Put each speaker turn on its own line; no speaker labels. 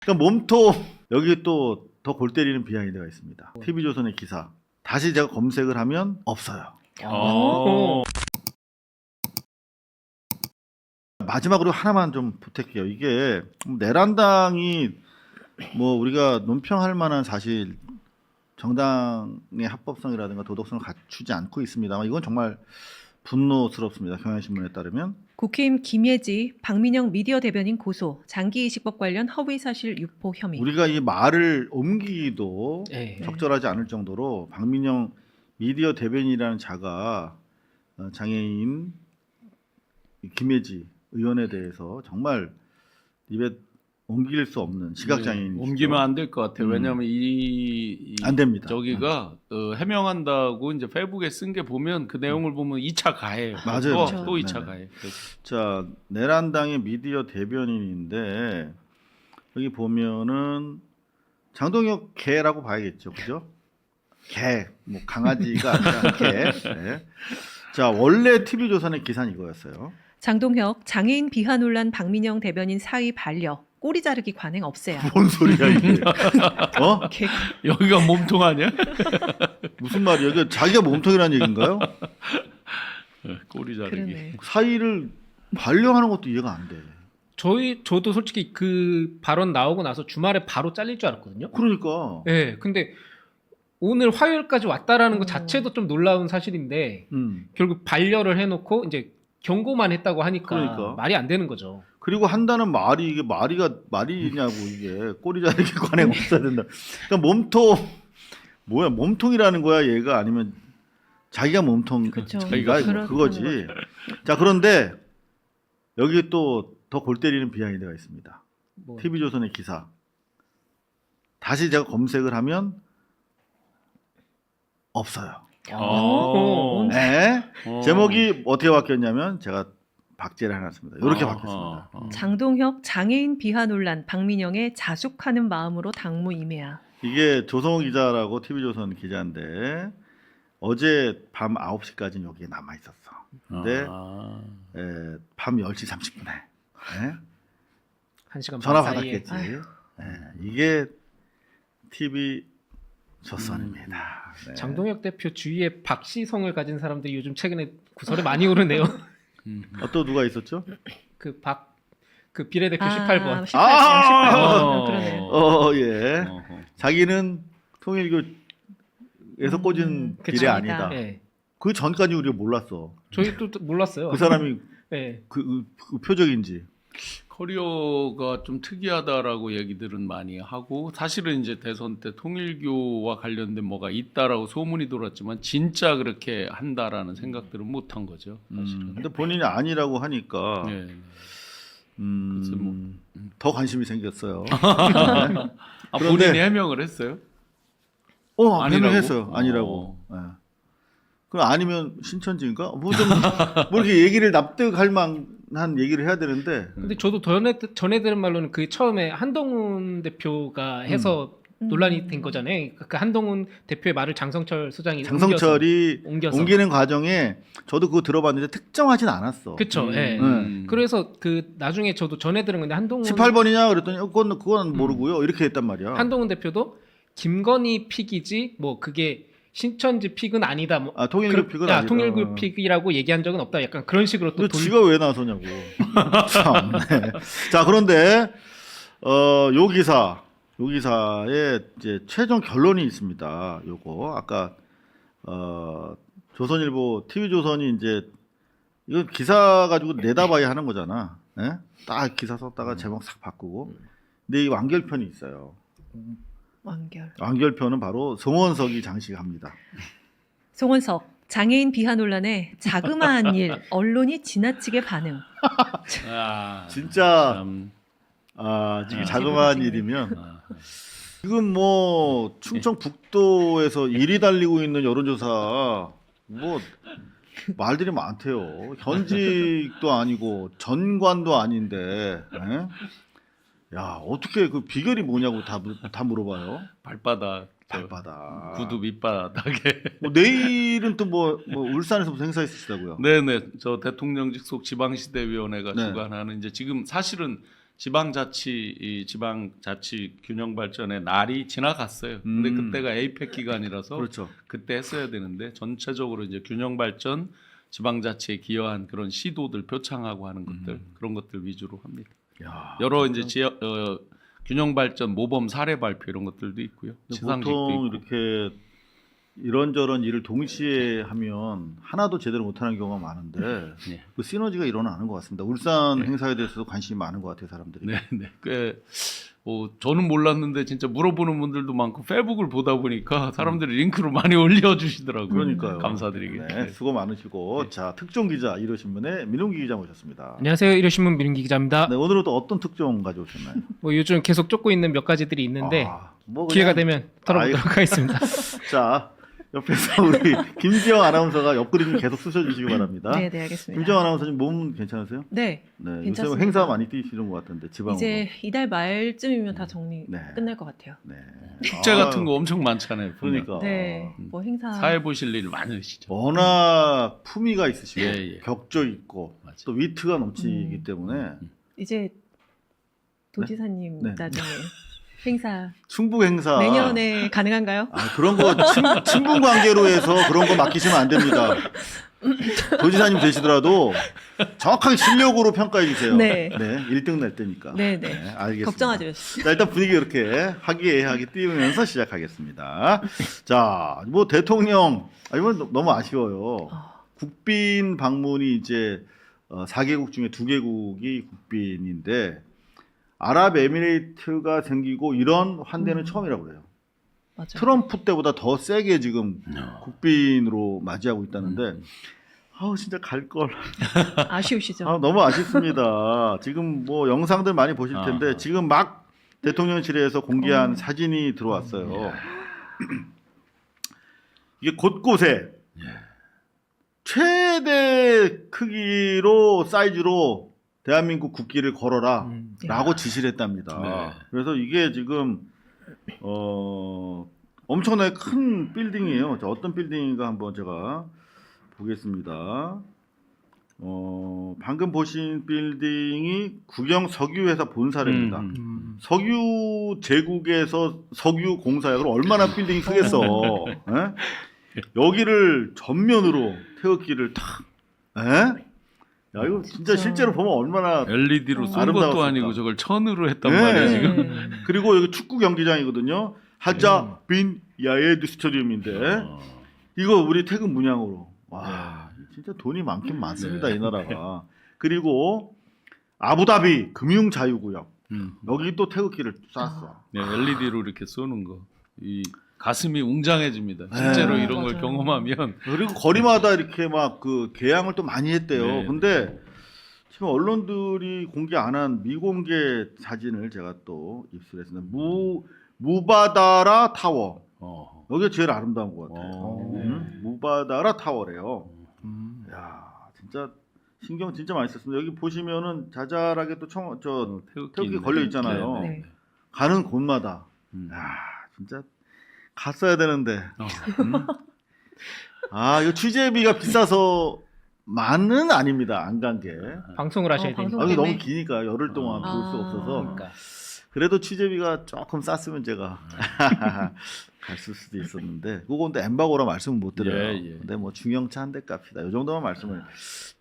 그러니까 몸통 여기 또 더 골 때리는 비하인드가 있습니다. TV조선의 기사 다시 제가 검색을 하면 없어요. 마지막으로 하나만 좀 부탁해요. 이게 내란당이 뭐 우리가 논평할 만한 사실 정당의 합법성이라든가 도덕성을 갖추지 않고 있습니다만 이건 정말 분노스럽습니다. 경향신문에 따르면
국힘 김예지, 박민영 미디어 대변인 고소, 장기이식법 관련 허위사실 유포 혐의.
우리가 이 말을 옮기기도
네.
적절하지 않을 정도로 박민영 미디어 대변인이라는 자가 장애인 김예지 의원에 대해서 정말 입에 옮길 수 없는 시각장애인
옮기면 안 될 것 같아요. 왜냐하면
안 됩니다.
저기가 해명한다고 이제 페이북에 쓴 게 보면 그 내용을 보면 2차 가해예요.
맞아요.
또 2차
네네.
가해.
자, 내란당의 미디어 대변인인데 여기 보면은 장동혁 개라고 봐야겠죠, 그죠? 개, 뭐 강아지가 아니라 개. 네. 자, 원래 TV조선의 기사는 이거였어요.
장동혁, 장애인 비하 논란 박민영 대변인 사의 반려, 꼬리 자르기 관행 없애야.
뭔 소리야 이게? 어?
개-
여기가 몸통 아니야?
무슨 말이야? 이게 자기가 몸통이라는 얘기인가요?
꼬리 자르기.
그러네.
사이를 반려하는 것도 이해가 안 돼.
저도 솔직히 그 발언 나오고 나서 주말에 바로 잘릴 줄 알았거든요.
그러니까.
네, 근데 오늘 화요일까지 왔다라는 것 자체도 좀 놀라운 사실인데 결국 반려를 해놓고 이제 경고만 했다고 하니까
그러니까.
말이 안 되는 거죠.
그리고 한다는 말이 이게 말이냐고 이게 꼬리 자르기 관행 없어야 된다. 그러니까 몸통 뭐야 몸통이라는 거야 얘가 아니면 자기가 몸통
그쵸.
자기가
그렇다는
그거지. 자 그런데 여기 또 더 골 때리는 비하인드가 있습니다.
뭐,
TV조선의 기사 다시 제가 검색을 하면 없어요.
어.
네.
어.
제목이 어떻게 바뀌었냐면 제가 박제를 해놨습니다. 이렇게
아하.
바뀌었습니다.
장동혁, 장애인 비하 논란 박민영의 자숙하는 마음으로 당무 임해야.
이게 조성호 기자라고 TV조선 기자인데 어제 밤 9시까지는 여기에 남아 있었어. 근데
아.
밤 10시 30분에
한 시간
전화
반 사이에.
받았겠지. 이게 TV 조선입니다. 네.
장동혁 대표 주위에 박시성을 가진 사람들이 요즘 최근에 구설에 많이 오르네요.
또 누가 있었죠?
그 비례대표 18번.
18번.
아!
그러네.
예.
어허.
자기는 통일교에서 꽂은
그쵸.
길이 아니다.
네.
그 전까지 우리가 몰랐어.
저희도 몰랐어요.
그 사람이
네.
그 표적인지.
커리어가 좀 특이하다라고 얘기들은 많이 하고 사실은 이제 대선 때 통일교와 관련된 뭐가 있다라고 소문이 돌았지만 진짜 그렇게 한다라는 생각들은 못 한 거죠. 사실은.
근데 본인이 아니라고 하니까
네.
음,
그래서
더 관심이 생겼어요.
아,
그런데-
본인이 해명을 했어요? 아니라고?
해명했어요. 아니라고. 예. 그럼 아니면 신천지인가? 뭐 이렇게 얘기를 납득할 만한 얘기를 해야 되는데
근데 저도 전에 들은 말로는 그 처음에 한동훈 대표가 해서 논란이 된 거잖아요. 그 한동훈 대표의 말을 장성철 소장이
장성철이
옮겨서.
옮기는 과정에 저도 그거 들어봤는데 특정하진 않았어.
그쵸. 예. 그래서 그 나중에 저도 전해 들은 건데 한동훈
18번이냐 그랬더니 그건 모르고요. 이렇게 했단 말이야.
한동훈 대표도 김건희 픽이지 뭐 그게 신천지 픽은 아니다. 뭐
통일교 픽은 아니다.
통일교 픽이라고 얘기한 적은 없다. 약간 그런 식으로 또
근데 지가 왜 나서냐고. 참. 네. 자 그런데 요 기사에 이제 최종 결론이 있습니다. 요거 아까 조선일보 TV조선이 이제 이거 기사 가지고 내다봐야 하는 거잖아. 예? 딱 기사 썼다가 제목 싹 바꾸고. 근데 이 완결편이 있어요.
완결.
완결편은 바로 송원석이 장식합니다.
송원석, 장애인 비하 논란에 자그마한 일, 언론이 지나치게 반응.
아,
진짜
참.
지금
아,
자그마한
지금
일이면
아,
지금 뭐 충청 북도에서 1위 달리고 있는 여론조사 뭐 말들이 많대요. 현직도 아니고 전관도 아닌데, 예? 야 어떻게 그 비결이 뭐냐고 다 물어봐요.
발바닥,
발바닥.
구두 밑바닥에.
뭐 내일은 또 뭐 울산에서 무슨 행사 있으시다고요?
네네, 저 대통령 직속 지방시대위원회가
네.
주관하는 이제 지금 사실은 지방자치 균형 발전의 날이 지나갔어요. 근데 그때가 에이펙 기간이라서
그렇죠.
그때 했어야 되는데 전체적으로 이제 균형 발전, 지방자치에 기여한 그런 시도들 표창하고 하는 것들 그런 것들 위주로 합니다.
야,
여러 이제 균형 발전 모범 사례 발표 이런 것들도 있고요. 시상식도
보통
있고.
이렇게 이런저런 일을 동시에 하면 하나도 제대로 못하는 경우가 많은데
네.
그 시너지가 일어나는 것 같습니다. 울산 행사에 대해서도 관심이 많은 것 같아요, 사람들이.
네, 꽤 저는 몰랐는데 진짜 물어보는 분들도 많고 페북을 보다 보니까 사람들이 링크로 많이 올려주시더라고요.
그러니까요.
감사드리게.
네, 수고 많으시고 자 특종 기자 일요신문의 민웅기 기자 모셨습니다.
안녕하세요. 일요신문 민은기 기자입니다.
네, 오늘은 또 어떤 특종 가져오셨나요?
뭐 요즘 계속 쫓고 있는 몇 가지들이 있는데
뭐
기회가
그냥-
되면 털어보도록 하겠습니다.
자 옆에서 우리 김지영 아나운서가 옆구리 좀 계속 쑤셔주시기 바랍니다.
네, 네, 알겠습니다.
김지영 아나운서님 몸 괜찮으세요?
네,
네, 요새
괜찮습니다.
행사 많이 뛰시는 것 같은데 지방으로.
이제 이달 말쯤이면 다 정리
네.
끝날 것 같아요.
네.
축제 같은 거 엄청 많잖아요. 보면.
그러니까
네, 뭐 행사
사회 보실 일 많으시죠.
워낙 품위가 있으시고
예, 예.
격조 있고
맞아요.
또 위트가 넘치기 때문에
이제 도지사님
네.
나중에 행사
충북 행사
내년에 가능한가요?
그런 거 친분 관계로 해서 그런 거 맡기시면 안 됩니다. 도지사님 되시더라도 정확하게 실력으로 평가해 주세요.
네.
1등 낼 때니까.
네, 네.
알겠습니다.
걱정하지 마십시오.
자, 일단 분위기 이렇게 화기애애하게 띄우면서 시작하겠습니다. 자, 뭐 대통령 이건 너무 아쉬워요. 국빈 방문이 이제 4개국 중에 2개국이 국빈인데 아랍에미레이트가 생기고 이런 환대는 처음이라고 그래요.
맞아요.
트럼프 때보다 더 세게 지금 국빈으로 맞이하고 있다는데 아우 진짜 갈 걸.
아쉬우시죠?
너무 아쉽습니다. 지금 뭐 영상들 많이 보실 텐데
아하.
지금 막 대통령실에서 공개한 사진이 들어왔어요. 이게 곳곳에 최대 크기로 사이즈로 대한민국 국기를 걸어라 라고 지시를 했답니다.
네.
그래서 이게 지금 엄청나게 큰 빌딩이에요. 자, 어떤 빌딩인가 한번 제가 보겠습니다. 방금 보신 빌딩이 국영 석유회사 본사입니다. 석유 제국에서 석유 공사야. 그럼 얼마나 빌딩이 크겠어. 예? 여기를 전면으로 태극기를 탁. 예? 야 이거 진짜 실제로 보면 얼마나
LED로 쏜
아름다웠을까.
것도 아니고 저걸 천으로 했단
네.
말이에요 지금.
그리고 여기 축구 경기장이거든요. 하자 빈 야에드 스타디움인데 이거 우리 태극 문양으로 와 진짜 돈이 많긴 많습니다 이 나라가. 그리고 아부다비 금융 자유구역 여기 또 태극기를 쐈어.
네, LED로 이렇게 쏘는 거. 이 가슴이 웅장해집니다. 실제로
네,
이런 걸
맞아요.
경험하면
그리고 거리마다 이렇게 막 그 개항을 또 많이 했대요.
네.
근데 지금 언론들이 공개 안 한 미공개 사진을 제가 또 입수했습니다. 무바다라 타워. 여기가 제일 아름다운 것 같아요. 무바다라 타워래요. 야, 진짜 신경 진짜 많이 썼습니다. 여기 보시면은 자잘하게 또 태극기 걸려 있잖아요.
네.
가는 곳마다. 야, 진짜 갔어야 되는데. 이거 취재비가 비싸서만은 아닙니다. 안 간 게.
방송을 하셔야
방송
되니까.
이게
때문에?
너무 기니까 열흘 동안 볼 수 없어서.
그러니까.
그래도 취재비가 조금 쌌으면 제가 갔을 수도 있었는데 그건 또 엠바고라 말씀은 못 드려요.
예, 예.
근데 뭐 중형차 한 대 값이다. 이 정도만 말씀을